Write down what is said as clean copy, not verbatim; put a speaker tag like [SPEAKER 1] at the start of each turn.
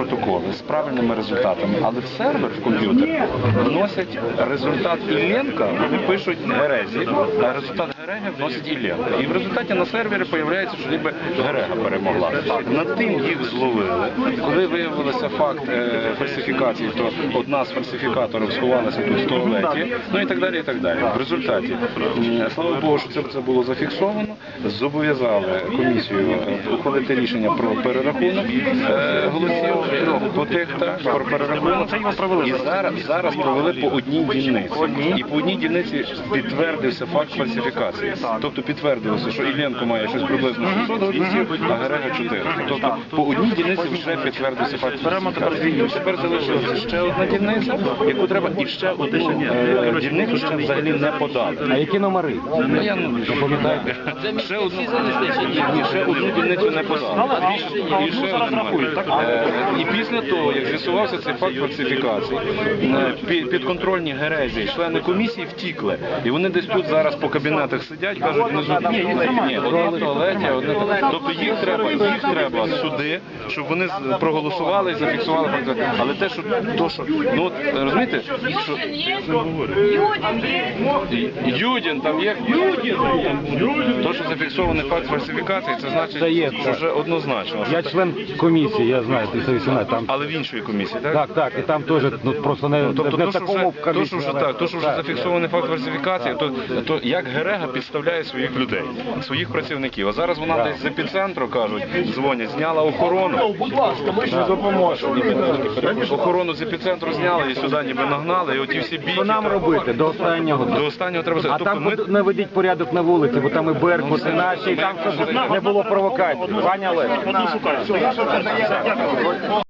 [SPEAKER 1] протоколи з правильними результатами, але в сервер, в комп'ютер, вносять результат Іллєнка, вони пишуть Герезі, а результат Гереги вносять Іллєнка. І в результаті на сервері з'являється, що ніби Герега перемогла. Над тим їх зловили. Коли виявився факт фальсифікації, то одна з фальсифікаторів сховалася тут в туалеті, ну і так далі, і так далі. В результаті, слава Богу, що це було зафіксовано, зобов'язали комісію ухвалити рішення про перерахунок голосів по тих, про перерахунок. І зараз провели по одній дільниці. І по одній дільниці підтвердився факт фальсифікації. Тобто підтвердилося, що Іллєнко має щось приблизно 600 голосів, а Герега 400. Тобто по одній дільниці вже підтвердився факт фальсифікації. Тепер залишилася ще одна дільниця, яку треба, і ще одну дільницю ще взагалі не подали.
[SPEAKER 2] А які номери?
[SPEAKER 1] Ну, я не пам'ятаю. Ще одну дільницю не подали. І після того, як з'ясувався цей факт фальсифікації, підконтрольні Герезі, члени комісії втікли. І вони десь тут зараз по кабінетах сидять, кажуть, ні, одне в туалеті, одне. Тобто їх треба сюди, щоб вони проголосували і зафіксували фальсифікацію. Але те, що, ну от, розумієте, що... Юдін, там є то, що зафіксований факт фальсифікації, це значить, що вже однозначно.
[SPEAKER 2] Я член комісії, я знаю, 318, там...
[SPEAKER 1] Але в іншої комісії, так?
[SPEAKER 2] Так, і там теж, ну, просто не в такому комісії.
[SPEAKER 1] То, що вже зафіксований факт фальсифікації, то як Герега підставляє своїх людей, своїх працівників. А зараз вона десь з епіцентру, кажуть, дзвонять, зняла охорону.
[SPEAKER 3] Будь ласка, ми ще допоможемо.
[SPEAKER 1] Охорону з епіцентру зняли і сюди ніби нагнали, і оті всі бійки.
[SPEAKER 2] Що нам робити до останнього?
[SPEAKER 1] До останнього треба...
[SPEAKER 2] А там наведіть порядок на вулиці, бо там і Беркут, і наші, і там, щоб не було провокацій. Пані Олег.